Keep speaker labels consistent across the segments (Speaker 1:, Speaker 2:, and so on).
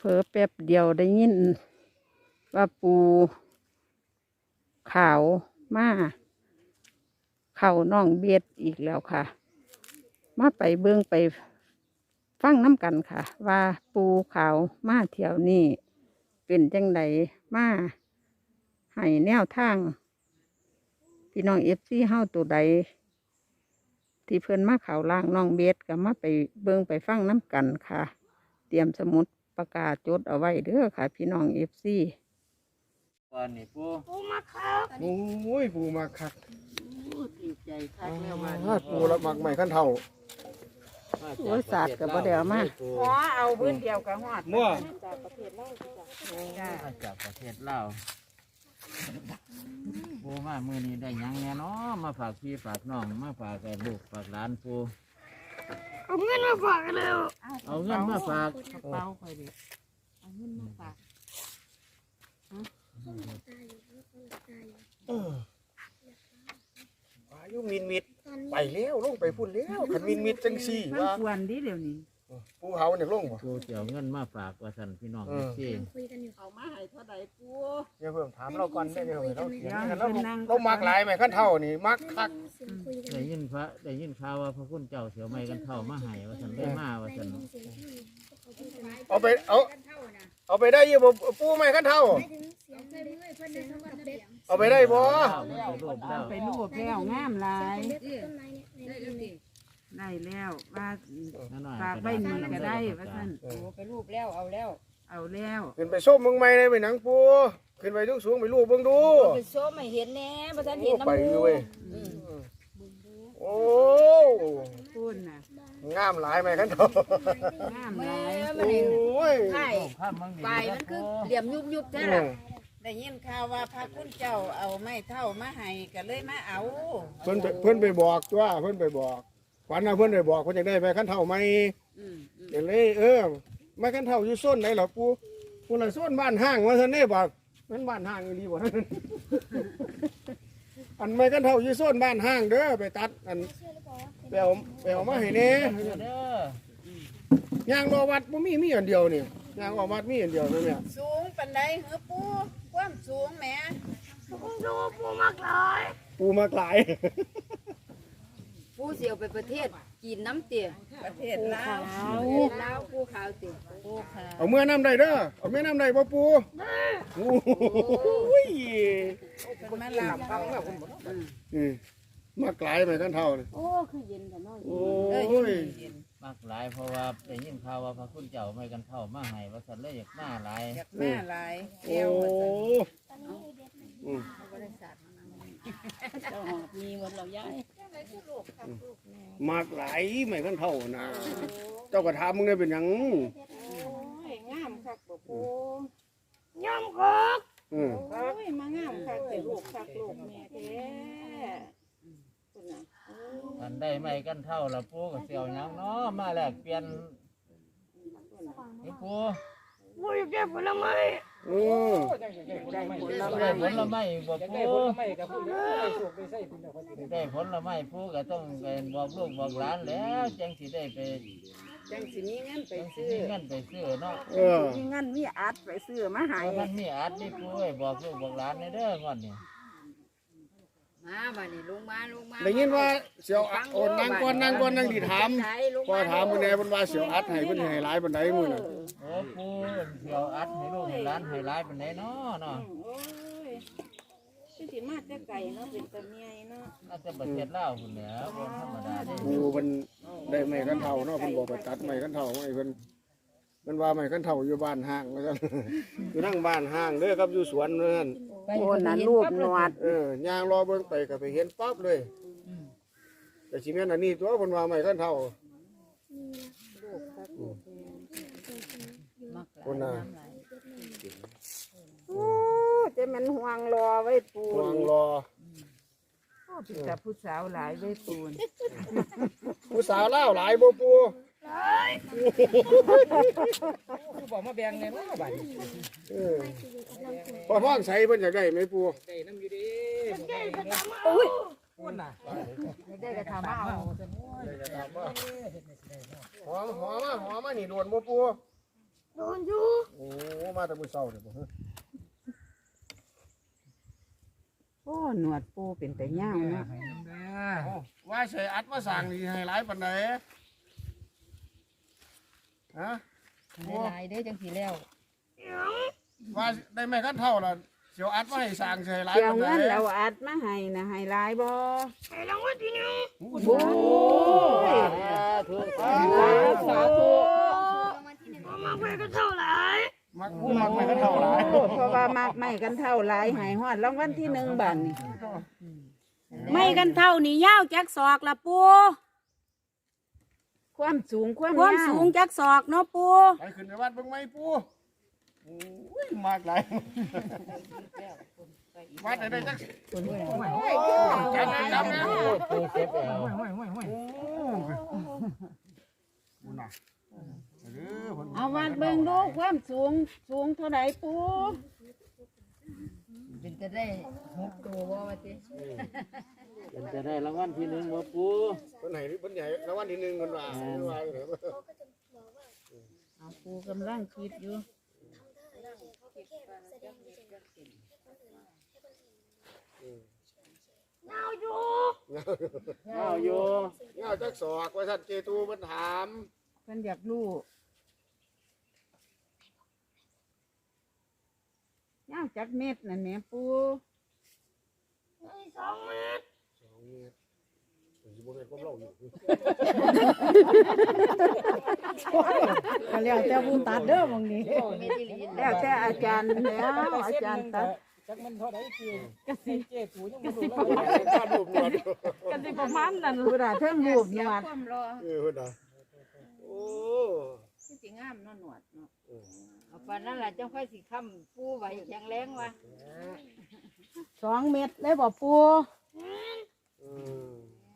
Speaker 1: เผลอแป๊บเดียวได้ยินว่าปูขาวมาเข้าน้องเบียดอีกแล้วค่ะมาไปเบิ่งไปฟังน้ำกันค่ะว่าปูขาวมาเที่ยวนี้เป็นจังไดมาให้แนวทางพี่น้องFCเฮาตัวใดที่เพิ่นมาเข้าล่างน้องเบียดก็มาไปเบิ่งไปฟังน้ำกันค่ะเตรียมสมุดประกาศจดเอาไว้เด้อค่ะพี่น้องFC
Speaker 2: วันนี้ปู
Speaker 3: ปูมาคัก
Speaker 4: โอ้ยปูมาคัก
Speaker 1: ดีใจคักแล้วว่า
Speaker 4: ปูละมักใหม่ขั้นเท่า
Speaker 1: โอ้ยศาสตร์กับบ่ได้เอามาหัวเอาพื้นเดียวกับหอด
Speaker 4: มั่ว
Speaker 1: จากประเทศลาวจ้า
Speaker 2: มาจากประเทศลาวปูมามือนี้ได้หยังแน่เนาะมาฝากพี่ฝากน้องมาฝากแก่ลูกฝากหลานปู
Speaker 3: เอาเงินมาฝากกันแล้ว
Speaker 2: เอาเงินมาฝาก
Speaker 1: กระเป๋าค่อยดิเอาเงินมาฝาก
Speaker 4: อายุมินมิดไปแล้วลงไปพุ่นแล้วขันมินมิดจังซี่
Speaker 1: มัน
Speaker 4: ว่า
Speaker 1: ควรดิเดี๋ยวนี้
Speaker 4: ปูเฮาเนี่ยลงบ่
Speaker 2: ปูเจียวเงินมาฝากว่าสันพี่น้องที่
Speaker 1: เอามาให้เท่าใดปู
Speaker 4: เดี๋ยวเพิ่มถามเราก่อนได้เดี๋ยวเราเถียงกัน
Speaker 1: เดี๋
Speaker 4: เรา
Speaker 1: ยวนั่ง
Speaker 4: เรามักหลายใหม่ขั้นเท่านี่มักคัก
Speaker 2: ได้ยินข่าวว่าพระคุณเจ้าเสียวไม้กันเท่ามาให้ว่าสันได้มาว่าสัน
Speaker 4: เอาไปได้อยู่บ่ปูใหม่ขั้นเท่าเอาไปได้บ่
Speaker 2: รูปแล้ว
Speaker 1: ไปรูปแล้วงามหลายได้แล้วว่าฝากใบนี้ก็ได้ว่าท่าน
Speaker 5: ไปรูปแล้วเอาแล้ว
Speaker 1: เอาแล้ว
Speaker 4: ขึ้นไปส้มเมืองใหม่ได้ไปหนังปูขึ้นไปสูงๆไปลูกเบิ่งดู
Speaker 5: ไปโซ่ไม่เห็นแน่บ่ทันเห็นน้ำ
Speaker 4: ไป
Speaker 5: มู
Speaker 4: อยู่เว้ยโอ้
Speaker 1: พูนน่ะ
Speaker 4: งามหลายใหม่ขั้นเท่าง
Speaker 1: ามห
Speaker 5: แม่
Speaker 1: ลาย
Speaker 5: มันนี่
Speaker 4: โอ้ย
Speaker 5: ใช่
Speaker 2: ข้ามมังดี
Speaker 5: ปลายมันคือเหลี่ยมยุบๆแท้ล่ะได้ยินข่าวว่าพระคุณเจ้าเอาไม้เท่ามาให้ก็เลยมาเอา
Speaker 4: เพิ่นไปบอกตัวเพิ่นไปบอกฝันว่าเพิ่นไปบอกเพิ่นจะได้ไปขั้นเท่าไหม เดี๋ยวเลยไม่ขั้นเท่าอยู่ส้นไหนหรอปูละส้นบ้านห้างว่าท่านนี่บอกมันบ้านห้างอยู่ดีบ่ อันไม่ขั้นเท่าอยู่ส้นบ้านห้างเด้อไปตัดอันไปเอามาให้เน่
Speaker 2: เด้อย
Speaker 4: างรอวัดบ่มีอันเดียวนี่ยางออกวัดมีอันเดียวนั่นเนี่ย
Speaker 5: สูงปานใดเหรอปูความสูงแหม
Speaker 4: ปูมากหลาย
Speaker 5: ปูเสียวไปประเทศจีนน้ำเตี๋ยประเทศลาวลาวปูขาวเตี๋ยปูขาว
Speaker 4: เอาเมื่อน้ำได้เด้อเอาเมื่อน้ำได้บ่ปูโอ้ย
Speaker 5: เป็นมาลาว
Speaker 4: มากหลายไปขั้นเท่านี่
Speaker 1: โอ้คือเย็นแต่น้อย
Speaker 4: โอ้ย
Speaker 2: มากหลายเพราะว่าได้ยินข่าวว่าพระคุณเจ้าไม้กันเท่ามาให้ว่าสันเลยอยากมาหลาย
Speaker 5: อยากแม่หลาย
Speaker 4: โอ้
Speaker 5: แก้วว่าซั่น
Speaker 1: เจ้าหอบมีหมดเราย้าย
Speaker 4: มากหลายไม่ขั้นเท่านะเจ้ากระทำมึงได้เป็นหยัง
Speaker 1: งามคักบ่ปู
Speaker 3: ย่อมคัก
Speaker 4: เออ
Speaker 1: โอ้ยมางามคักแต่ลูกคักลูกแม่แท้คุณน่ะ
Speaker 2: อันได้ไม้กันเท่าละปูกับเสี่ยวหยังเนาะมาแลกเปลี่ยนนี่ปู
Speaker 3: ปูอยากได้ผลไม้
Speaker 4: เออ
Speaker 1: ได้ผล
Speaker 2: ได้
Speaker 1: ไม้
Speaker 2: ผลไม้บ่ปูได้ผลไม้ปูก็ต้องไปบอกลูกบอกหลานแล้วจังสิได้ไป
Speaker 1: จังสิมีเงินไป
Speaker 2: จังสิ
Speaker 1: ซื้อ
Speaker 2: มีเงินไปซื้อเนาะ
Speaker 4: เออ
Speaker 1: มีเงินมีอัดไปซื้อมาให้
Speaker 2: มันมีอัดนี่ปูไว้บอกลูกบอกหลานในเด้องอนนี่
Speaker 5: มาบัดนี้ลงมา
Speaker 4: ได้ยินว่าเสียวอัดโอนนั่งก่อนนั่งดีถามพอถามมื้อแน่เพิ่นว่าเสียวอัดให้เพิ่นให้หลายปานใดมื้อน่ะ
Speaker 2: โอ้ปูเสี่ยวอัดให้ลูกให้หลานให้หลายปานใดเนาะเนาะ
Speaker 1: โอ้ยคือสิมาแต่ไก่เนาะเป็นตะเมียเนาะ
Speaker 2: น่าจะประเทศลาวพุ่นแหล้วบ่ธรรมดาเด้
Speaker 4: กูเพิ่นได้ไม้กันเท่าเนาะเพิ่นบอกไปตัดไม้กันเท่าให้เพิ่นว่าไม้กันเท่าอยู่บ้านห้างว่าซั่น อยู่นั่งบ้านห้างเด้อครับอยู่สวนนั่น
Speaker 1: โอ้น่ะรูปหนวด
Speaker 4: ย่างรอเบิ่งไปก็ไปเห็นปั๊บเลยแต่สิแม่นอันนี้ตัวเพิ่นว่าไม้กันเท่าคนน่ะ
Speaker 1: โอ้จะมันห่วงรอไว้ปู
Speaker 4: วางรอ
Speaker 1: โอ้เป็นแต่ผู้สาวหลายไว้ปูน
Speaker 4: ผู้สาวลาวหลายบ่ปู่
Speaker 6: คือบอกมาแบ่งเนี่ยเนาะบัดนี้
Speaker 4: พอท้องใสเพิ่นอยากได้ไหมปู่
Speaker 6: ได้น้ำอยู่ดีพูดน่ะ
Speaker 1: ได้กระทำเอา
Speaker 4: หอมมานี่โดนบ่ปู่
Speaker 3: โดนอยู่
Speaker 4: โอ้มาแต่มื้อเช้าเด้อบ่ฮะ
Speaker 1: โอ้หนวดปูเป็นแต่ย่างเนาะ
Speaker 4: โอ้ว่าใส่อัดมาสั่งนี่ให้หลายปานใดฮะ
Speaker 5: หลายๆเด้อจังสิแล้ว
Speaker 4: ว่าได้แม่กันเท่าล่ะเสียวอัดมาให้สั่งใส่หลาย
Speaker 1: เกี่ยว
Speaker 4: ปานใด
Speaker 1: เงินเราอัดมาให้นะให้หลายบ่
Speaker 3: ให้รางวัลที่หนึ่ง
Speaker 1: โอ้ย สาธุ
Speaker 3: บ่มาไปก็เท่าไหร่
Speaker 4: มักแม่กันเท่าหลาย
Speaker 1: เพราะว่ามากไม่กันเท่าหลายให้ฮอดรางวัลที่1บัดนี้
Speaker 7: ไม่กันเท่านี่ยาวจักศอกละปู
Speaker 1: ความสูงความ
Speaker 7: ความ
Speaker 1: ยาว
Speaker 7: สูงจักศอกเนาะปู
Speaker 4: ไปขึ้นไปวัดเบิ่งไหมปู่โอ้ยมากหลายวัดได้จักจับแล้ว
Speaker 2: ปูเจ็บแล้ว
Speaker 4: น่ะเด้อเพิ่น
Speaker 1: เอาวัดเบิ่งดูความสูงเท่าไหร่ปู
Speaker 5: เป็นจะได้6ตัวบ่ว่าติ
Speaker 2: เป็นจะได้รางวัลที่หนึ่งบ่ปู
Speaker 4: เพิ่นให้เพิ่นใหญ่รางวัลที่1เพิ่นว่าเพิ่นว่าเด้อ
Speaker 1: เอาปูกำลังคิดอยู่
Speaker 3: เงาอยู่
Speaker 2: เอาอยู่
Speaker 4: เงาจักศอกว่าท่านเจตูเพิ่นถาม
Speaker 1: เพิ่นอยากรู้ยาวจักเม็ดนั่นแหม่ปู
Speaker 3: ให้2 เมตร
Speaker 4: 2 เมตรสิบ่แม่นความเล่าอยู่
Speaker 1: ก็แล้วแต่ผู้ตัดเด้อบางนี้
Speaker 5: แม่ที่ลีน
Speaker 1: แล้วแต่อาจารย์แล้วอาจารย์ตัด
Speaker 6: จักมันเท่าไหร่กะสิเจ็ดถูยังบ่รู้
Speaker 4: ข้ารูปหนวด
Speaker 1: กันสิประมาณนั้นผู้ใดเทิงรูปหนวด
Speaker 5: ความรอ
Speaker 4: เพิ่นน่ะโอ้
Speaker 5: คือสิงามเนาะหนวดเนาะเอาปานนั้นล่ะจังค่อยสิค้ำปูไว้แข็งแรงว่ะ
Speaker 1: 2 เม็ดเลยบ่ปู
Speaker 4: อืม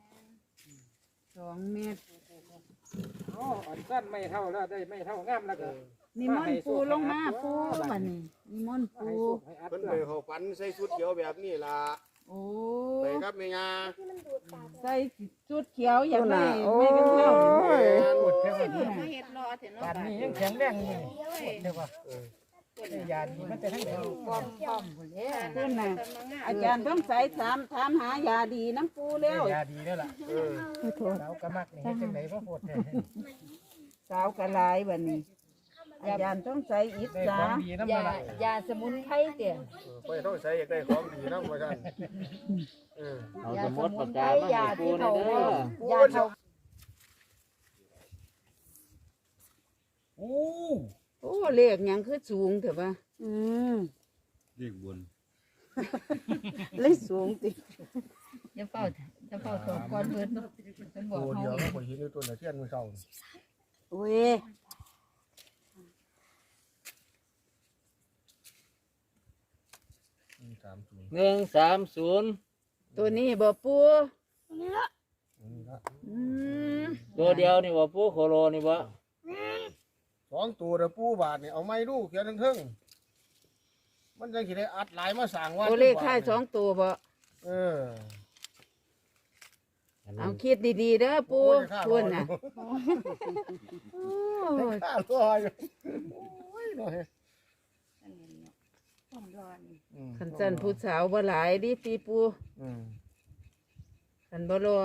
Speaker 1: 2 เม็ด
Speaker 6: อ๋ออันสั้นไม่เท่าแล้วได้ไม่เท่างามแล้วก็
Speaker 1: นิมนต์ปูลงมาปูบัดนี้นิมนต์ปู
Speaker 6: ให้อัด
Speaker 4: เพิ่น
Speaker 6: ด้
Speaker 4: ไป
Speaker 6: วย
Speaker 4: เข้าฝันใส่ชุดเขียวแบบนี้ล่ะ
Speaker 1: โอ้
Speaker 4: ไปกับแม่ย่า
Speaker 1: ใส่ชุดเขียวอยากได้ไม่กันเท่า
Speaker 4: แม่น
Speaker 5: มาเฮ็ดรอเถอะเนาะ
Speaker 6: ป่านนี้ยังแข็งแรงอยู่เดี๋ยวว่าอยาดีมันจะทั้งเดียว
Speaker 5: ป้อมพุ่นเด้
Speaker 1: เพิ่นน่ะอาจารย์ต้องใส่ถามหายาดีน้ำปูแล้ว
Speaker 6: ยาดีแล้วล่ะ
Speaker 4: เออ
Speaker 6: เรากระมักนี่เฮ็ดจังได๋บ่โคตรเนี่ย
Speaker 1: สาวกะลายบัดนี้ อาจารย์ต้องใส่อิ
Speaker 6: ได้
Speaker 1: สา
Speaker 6: ของดีนำ
Speaker 5: ยา
Speaker 6: ละ
Speaker 5: ยาสมุนไพรเด้อ
Speaker 4: ไปต้องใส่อยากได้ของดีนำว่าซั่นเออ
Speaker 2: เอาสมุดปากกามาให้ปูหน่อยเด้อย
Speaker 5: าเฒ่า
Speaker 4: โอ้
Speaker 1: โอ้เลขหยังคือสูงเถอะปะ
Speaker 8: เรียกบน
Speaker 1: เลยสูงติ
Speaker 5: อย่าเฝ้าถกก่อนเพิ่นเพิ่นบอก
Speaker 4: โห
Speaker 5: เฮา
Speaker 4: เดี๋ยวเราไปเห็นอยู่ตัวน่ะเทียนมื้อเช้า
Speaker 1: โอ้ย
Speaker 2: 130
Speaker 1: ตัวนี้บ่ปู
Speaker 3: นี่ละ
Speaker 1: อืม
Speaker 2: ตัวเดียวนี่บ่ปูโคโลนี่บ่
Speaker 4: สองตัวเด้อปู่บาทนี่เอาไม้ดูเขียนเทิงๆมันจังสิได้อัดหลายมาสร้างว่า
Speaker 1: ตัวเลขท้าย2ตัวบ่
Speaker 4: เออ
Speaker 1: เอาคิดดีๆเด้อปูคุณน่ะโอ้ย
Speaker 4: ข้ารออยู่โอ้ยน้อย
Speaker 1: คันจันผู้สาวบ่หลายดิปีปู
Speaker 4: อืม
Speaker 1: คันบ่รอ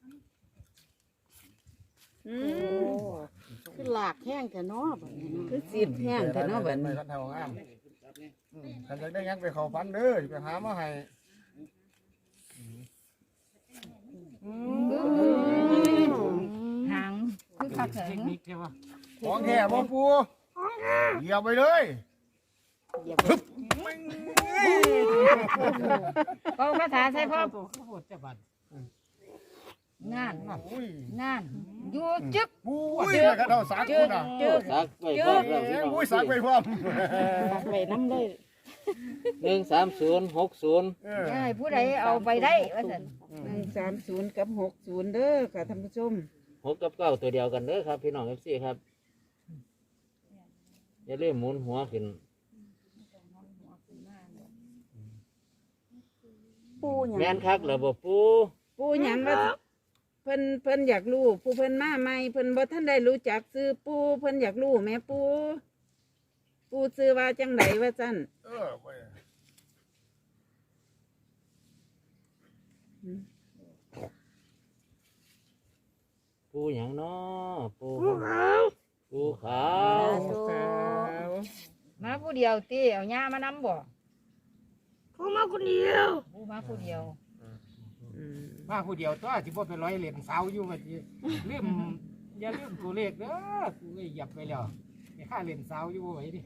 Speaker 1: อืมคือหลากแห้งแต่เนาะบัดนี้คือสิบแห้งแต่เนาะบัด
Speaker 4: ไป
Speaker 1: นี้
Speaker 4: คันเท่างามคันอยากได้หยังไปเข้าฝันเด้อสิไปหามาให้
Speaker 5: หางคือคัก
Speaker 6: เท
Speaker 5: แข็
Speaker 6: ค
Speaker 5: ง
Speaker 6: นิคใช่ป่ะ
Speaker 4: ของแท้บ่ปูเหยียบไปเลยปึ๊บแม่ง
Speaker 5: เอาคาถาใส่พ่อ
Speaker 6: ตัวข้าวโพดจะบัด
Speaker 5: งาน
Speaker 4: อุ้ย
Speaker 5: งานอยู่จึก
Speaker 4: ปุ้ยแล้วก็เท่าสักคุณอ่ะ
Speaker 2: สักไว้พร้อมแล้วพี่น้อง
Speaker 4: อุ้ยสักไปพร้อม
Speaker 1: ไปน้ำเลย
Speaker 2: 13060
Speaker 4: เออ
Speaker 5: ให้ผู้ใดเอาไปได้ว่าซั่น
Speaker 1: 130กับ60เด้อค่ะท่านผู้ชม
Speaker 2: 6กับ9ตัวเดียวกันเด้อครับพี่น้อง FC ครับอย่าลืมหมุนหัวขึ้น
Speaker 1: ปูหยัง
Speaker 2: แม่นคักเหรอบ่ปู
Speaker 1: ปูหยังว่าเพิ่นอยากรู้ปูเพิ่นมาใหม่เพิ่นบ่ทันได้รู้จักซื้อปูเพิ่นอยากรู้แม่ปูปูซื้อว่าจังไดว่าจัน
Speaker 4: ไป
Speaker 2: ปูหยังเนาะปู
Speaker 3: ภูเขา
Speaker 2: ปูขาว
Speaker 5: มาผู้เดียวติเอาย่ามานำบ่
Speaker 3: เขามาคนเดียว
Speaker 5: ผู้มาผู้เดียว
Speaker 6: มาผู้เดียวตัวสิบ่ไปร้อยเหรียญเสาอยู่ว่าสิลืมอย่าลืมตัวเลขเด้อกูก็เหยียบไปแล้วไปค่าเหรียญเสาอยู่บ่ไหวดิ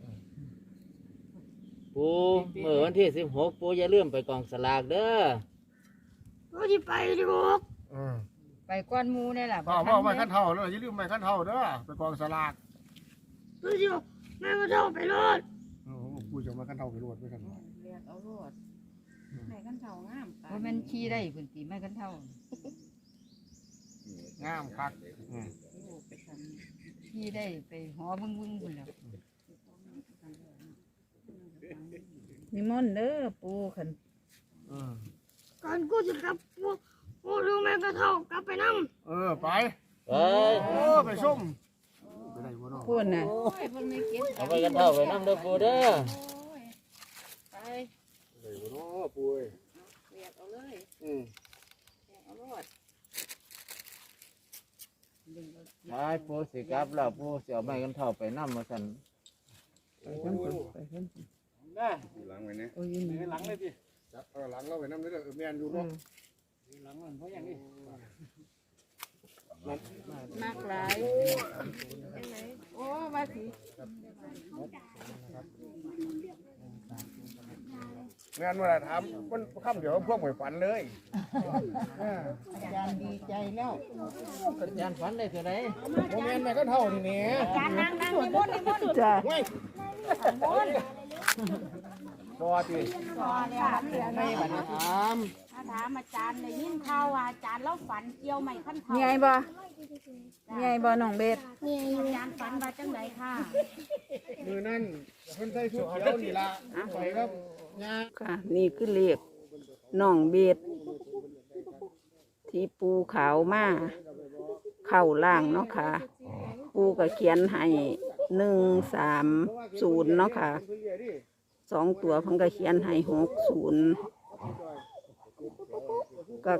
Speaker 2: ปูเมื่อวันที่16ปูอย่าลืมไปกองสลากเด้อ
Speaker 3: เราจะไปดีกว่า
Speaker 5: ไปก้อนหมูนี่แหละ
Speaker 4: พ่อพ่อไม่ขั้นเท่าเลยอย่าลืมไม่ขั้นเท่าเด้อไปกองสลาก
Speaker 3: เราจะแม่ก็เท่าไปรถ
Speaker 4: กูจะมาขั้นเท่าไปรวดไม่ขั้น
Speaker 5: เรียกเอารวดไม่กันเท่างามว่ามันขี้ได้คุณตีไม่กันเท่าง
Speaker 4: ามคัก
Speaker 5: ขี้ได้ไปหอบึ้งบึ้งคุณแล้ว
Speaker 1: นิมนต์เด้อปูขัน
Speaker 3: ก่อนกูจะกลับกูรู้แม่ก็เท่ากลับไปนั่ง
Speaker 4: ไป
Speaker 2: ไป
Speaker 4: ไปส้มไปได้บ่เนาะ
Speaker 1: พูดน่ะ
Speaker 2: เอาไปกันเท่าไปน้ำเด้อปูเด้อ
Speaker 4: ได้บ่เนาะปุ้ย
Speaker 2: ไปปูสิกลับแล้วปูสิเอาไม้กันเท่าไปน้ำมาสั่น
Speaker 1: ไปกันพุ่นไปกันพุ่น
Speaker 6: ได้
Speaker 8: หลังไว้เนี่ย
Speaker 1: โอ้ยนี่
Speaker 6: หลังเลยดิ
Speaker 4: จับหลังเราไปน้ำเด้อแม่นอยู่เนาะ
Speaker 6: หลังมันเพราะอย่างนี้
Speaker 1: มากหลายโอ้ว่าสิ
Speaker 4: งานเวลาถามมันค่ำเดี๋ยวพวกหวยฝันเลย
Speaker 1: อาจารย์ดีใจแล้ว
Speaker 2: อาจารย์ฝันได้เท่าไหร่
Speaker 4: โมเมนต์แม่ก็เท่านี่เนี่ย
Speaker 7: การนั่งนิมนต์นิมนต์
Speaker 1: จ้ะ
Speaker 4: ไม่พอที
Speaker 7: พอแล้วเหลือ
Speaker 4: ไม่บัดนี้ถาม
Speaker 7: ถามอาจารย์ได้ยินข่าวว่าอาจารย์เราฝันเกี่ยวไม่ขั้นเท่า
Speaker 1: ไงบ่ไงบ่น้องเบส
Speaker 7: อาจารย์ฝันว่าจังไดค่ะ
Speaker 4: มือนั่นเพิ่นใส่ชุดเขียวนี่ล่ะไปครับยา
Speaker 1: ค่ะนี่คือเลขน้องเบสที่ปูขาวมาเข้าล่างเนาะค่ะ ปูก็เขียนให้130เนาะค่ะ2 ตัวเพิ่นก็เขียนให้60ก็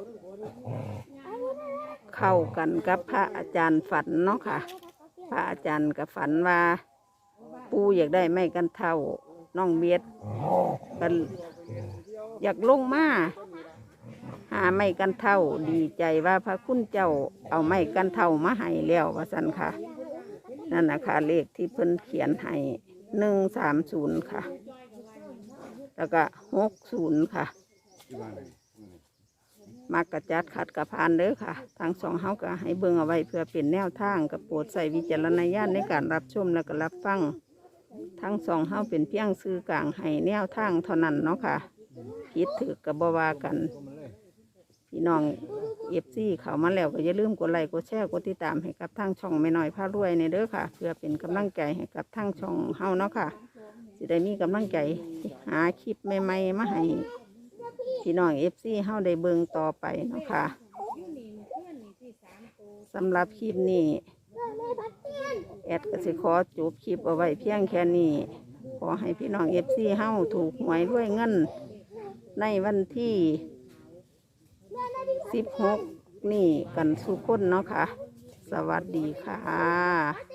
Speaker 1: เข้ากันกับพระอาจารย์ฝันเนาะค่ะ พระอาจารย์ก็ฝันว่า ปูอยากได้ไม้กันเท่าน้องเบียดกันอยากลงมาหาไม้กันเท่าดีใจว่าพระคุณเจ้าเอาไม้กันเท่ามาให้แล้วว่าสันค่ะ นั่นนะคะเลขที่เพิ่นเขียนให้130ค่ะ แล้วก็60ค่ะ มักกระจัดขัดกระพานเด้อค่ะ ทางสองเฮาก็ให้เบิ่งเอาไว้เพื่อเป็นแนวทางกับโปรดใส่วิจารณญาณในการรับชมและก็รับฟังทั้งสองเฮาเป็นเพียงสื่อกลางให้แนวทางเท่านั้นเนาะค่ะผิดถือกับบวากัน พี่น้องFCเขามาแล้วก็อย่าลืมกดไลค์กดแชร์กดติดตามให้กับทางช่องแม่น้อยพารวยในเด้อค่ะ เพื่อเป็นกำลังใจให้กับทางช่องเฮาเนาะค่ะสิได้มีกำลังใจหาคลิปใหม่ๆมาให้พี่น้องFCเฮาได้เบิ่งต่อไปเนาะค่ะสำหรับคลิปนี้แอดก็สิขอจบคลิปเอาไว้เพียงแค่นี้ขอให้พี่น้องFCเฮาถูกหวยด้วยเงินในวันที่16นี่กันสุขคนเนาะค่ะ สวัสดีค่ะ